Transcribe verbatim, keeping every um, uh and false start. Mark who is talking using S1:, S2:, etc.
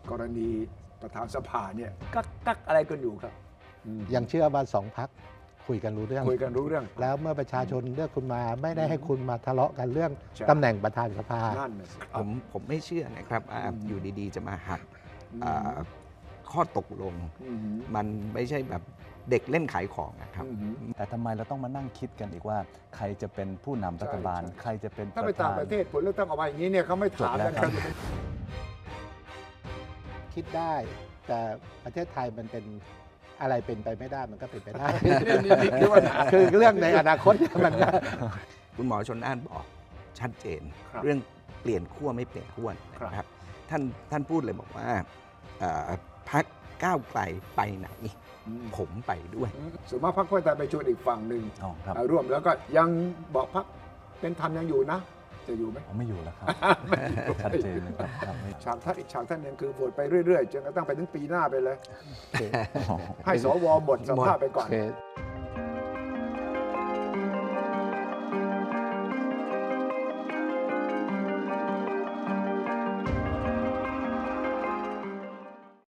S1: กรณีประธานสภาเนี่ยกักกักอะไรกันอยู่ครับ
S2: ยังเชื่อว่าสองพักคุยกันรู้เรื่อง
S1: คุยกันรู้เรื่อง
S2: แล้วเมื่อประชาชนเลือกคุณมาไม่ได้ให้คุณมาทะเลาะกันเรื่อง
S1: ใช่
S2: ตำแหน่งประธานสภา
S1: นั่นน่ะสิ
S3: ผมผมไม่เชื่อนะครับว่า
S1: อืม
S3: อยู่ดีๆ จะมาหัก
S1: อืม
S3: อ่าข้อตกลง
S1: อืม
S3: มันไม่ใช่แบบเด็กเล่นขายของนะครับ
S1: อืม
S4: แต่ทำไมเราต้องมานั่งคิดกันอีกว่า ใครจะเป็นผู้นำรัฐบาล
S1: ใช่ใช่
S4: ใครจะเป็น
S1: ถ้า
S4: ป
S1: ไประ ต่าง
S4: ธาน
S1: ประเทศผลเลือกตั้งออกมาอย่างนี้เนี่ยเขาไม่ถาม
S4: จบแล้
S1: กั
S4: วน ครับ
S2: คิดได้ แต่ประเทศไทยมันเป็นอะไรเป็นไปไม่ได้มันก็เป็นไปได้
S1: นี่นี่นี่คือว่า
S2: คือเรื่องในอนาคตเนี่ยมัน
S3: คุณหมอชนน่านบอกชัดเจน
S1: ครับ
S3: เรื่องเปลี่ยนขั้วไม่เปลี่ยนขั้ว
S1: ครับ
S3: นะครับท่านท่านพูดเลยบอกว่าเอ่อพรรคก้าวไกลไปไหน
S1: อืม
S3: ผมไปด้วย
S1: ส่วนมากพรรคเพื่อไทยไปชวนอีกฝั่งหนึ่ง
S4: อ๋อครับ
S1: อ่าร่วมแล้วก็ยังบอกพรรคเป็นธรรมยังอยู่นะ จะอยู่ไหม
S4: ผมไม่อยู่แล้วครับ ชัดเจนเลยครับครับไม่
S1: ฉากท่านอีกฉากท่านหนึงคือโหวตไปเรื่อยๆจนกระทั่งไปถึงปีหน้าไปเลย
S4: อ๋อ
S1: ให้สวหมดสภาพไปก่อน
S2: โอเค